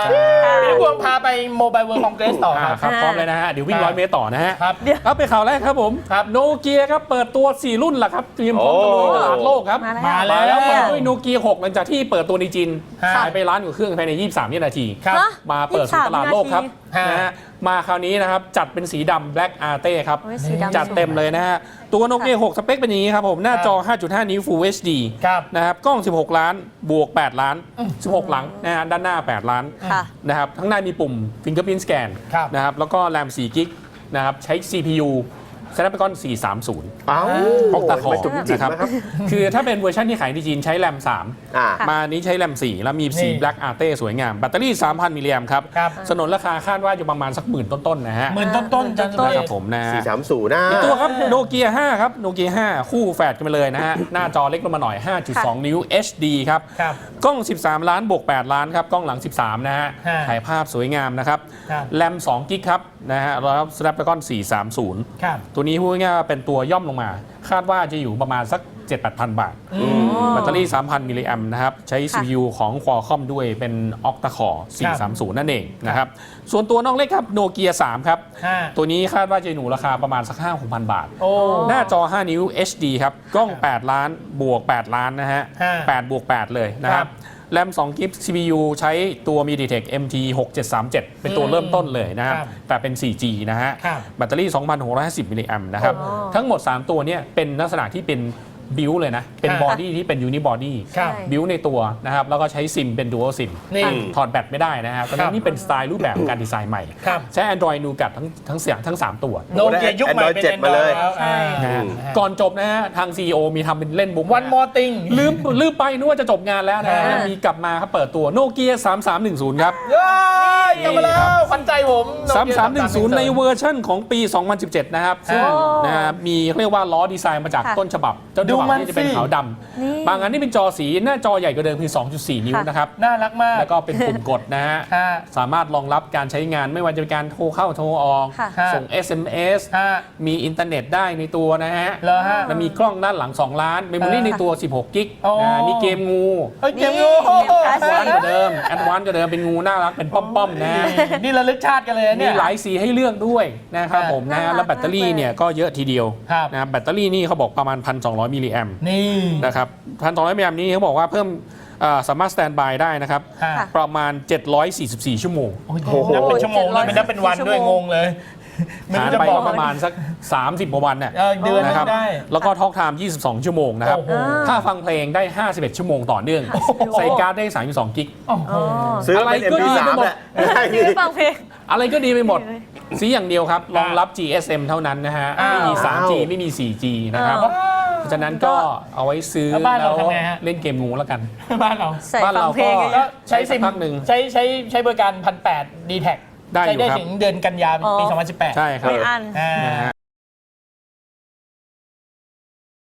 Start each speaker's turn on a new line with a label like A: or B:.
A: พี่พวงพาไปโมบายเวิร์คอนเกรสต่อ
B: ครับพร้อมเลยนะฮะเดี๋ยววิ่ง100 เมตรต่อนะฮะ
A: ครับ
B: ครับไปข่าวแรกครับผมโนเกียครับเปิดตัว4รุ่นละครับเตรียมพร้อมตะลุยตลาดโลกครับ
A: มาแล้ว
B: เปิดด้วยโนเกีย6หลังจากที่เปิดตัวในจีนขายไปล้านกว่าเครื่องภายใน23 วินาทีมาเปิดสู่ตลาดโลกครับนะฮะมาคราวนี้นะครับจัดเป็นสีดำ Black Arte ครับจัดเต็มเลยนะฮะตัวโนเกีย6สเปคเป็นอย่างนี้ครับผมหน้าจอ 5.5 นิ้ว Full HD นะครับกล้อง16 ล้านบวก8ล้าน16หลังนะฮะด้านหน้า8ล้านนะครับทั้งหน้ามีปุ่ม Fingerprint Scan นะครับแล้วก็แรม4 กิกนะครับใช้ CPU Snapdragon 430ออกตาคอนะครับคือถ้าเป็นเวอร์ชันที่ขายในจีนใช้แรม3มานี้ใช้แรม4แล้วมีสี Black Arte สวยงามแบตเตอรี่ 3,000 มิลลิแอมครับสนนราคาคาดว่าอยู่ประมาณสักหมื่นต้นๆนะฮะ
A: หมื่นต้นๆ
B: นะครับผมนะ
C: 430นะ
B: ตัวครับโนเกีย5ครับโนเกีย5คู่แฝดกันไปเลยนะฮะหน้าจอเล็กลงมาหน่อย 5.2 นิ้ว HD ครับกล้อง13ล้านบวก8ล้านครับกล้องหลัง13นะฮะถ่ายภาพสวยงามนะครับแรม2 กิกครับนะฮะแล้ว Snapdragon 430ตัวนี้พูดง่ายๆเป็นตัวย่อมลงมาคาดว่าจะอยู่ประมาณสัก 7-8,000 บาทแบตเตอรี่ 3,000 มิลลิแอมนะครับใช้ CPU ของ Qualcomm ด้วยเป็น Octa Core 430 นั่นเองนะครับส่วนตัวน้องเล็กครับโนเกีย3ครับตัวนี้คาดว่าจะอยู่ราคาประมาณสัก 5-6,000 บาทหน้าจอ 5 นิ้ว HD ครับกล้อง8ล้านบวก8ล้านนะฮะ8บวก8เลยนะครับแรม2 กิก CPU ใช้ตัว MediaTek MT 6737เป็นตัวเริ่มต้นเลยนะครับแต่เป็น 4G นะฮะแบตเตอรี่ 2,650 มิลลิแอมนะครับทั้งหมด 3 ตัวนี้เป็นลักษณะที่เป็นบิวเลยนะเป็นบอดี้ที่เป็นยูนิบอดี้บิวในตัวนะครับแล้วก็ใช้ซิมเป็นดูอัลซิมถอดแบตไม่ได้นะครับตอนนี้นี่เป็นสไตล์รูปแบบการดีไซน์ใหม่ใช้ Android Nougat ทั้ง3ตัว
A: โนเกียยุคใหม่เป็น
C: Android 7มาเลย
B: ก่อนจบนะฮะทาง CEO มีทำเป็นเล่นบุ๊ก
A: One More Thing
B: ลืมไปนึกว่าจะจบงานแล้วนะมีกลับมาครับเปิดตัวโนเกีย3310ครับ
A: กลับมาแล้วขวัญใจผม
B: 3310ในเวอร์ชั่นของปี 2017 นะครับซึ่งนะมีเรียกว่าล้อดีไซน์มาจากต้นฉบับนี่จะเป็นขาวดำบางอันนี่เป็นจอสีหน้าจอใหญ่กว่าเดิมคือ 2.4 นิ้วนะครับ
A: น่ารักมาก
B: แล้วก็เป็นปุ่มกดนะฮะสามารถรองรับการใช้งานไม่ว่าจะเป็นการโทรเข้าโทรออกส่ง SMS มีอินเทอร์เน็ตได้ในตัวนะฮะแล้วมีกล้องด้านหลัง2ล้านเมมโมรี่ในตัว16 กิกมีเกมงูแอดวานซ์กว่าเดิมเป็นงูน่ารักเป็นป้อมๆนะ
A: นี่ระลึกชาติกันเลยเนี่ย
B: มีหลายสีให้เลือกด้วยนะครับผมนะแล้วแบตเตอรี่เนี่ยก็เยอะทีเดียวนะแบตเตอรี่นี่เขาบอกประมาณ 1,200 มิลลิแอมนี่นะครับ1,200 มิลลิแอมนี้เขาบอกว่าเพิ่มสามารถสแตนบายได้นะครับประมาณ744 ชั่วโมง
A: นับเป็นชั่วโมงเลยไม่นับเป็นวันด้วยงงเลย
B: หารไปประมาณสัก30กว่าวันเนี่ย
A: เดือน
B: นะครับแล้วก็ทอล์กไทม์22 ชั่วโมงนะครับถ้าฟังเพลงได้51 ชั่วโมงต่อเนื่องใส่การ์ดได้32 กิก
C: อะไรก็ดีไปหมด
B: อะไรก็ดีไปหมดสีอย่างเดียวครับรองรับ GSM เท่านั้นนะฮะไม่มี 3G ไม่มี 4G นะครับเพราะฉะนั้นก็เอาไว้ซื้อแล้วเล่นเกมงูแล้วกัน
A: บ้านเราก็ใช้ซิมพักหนึ่งใช้บริการ 1,800 D-Tag ใช้ได้ถึงเดือนกันยายนปี 2018
B: ใช่ครับ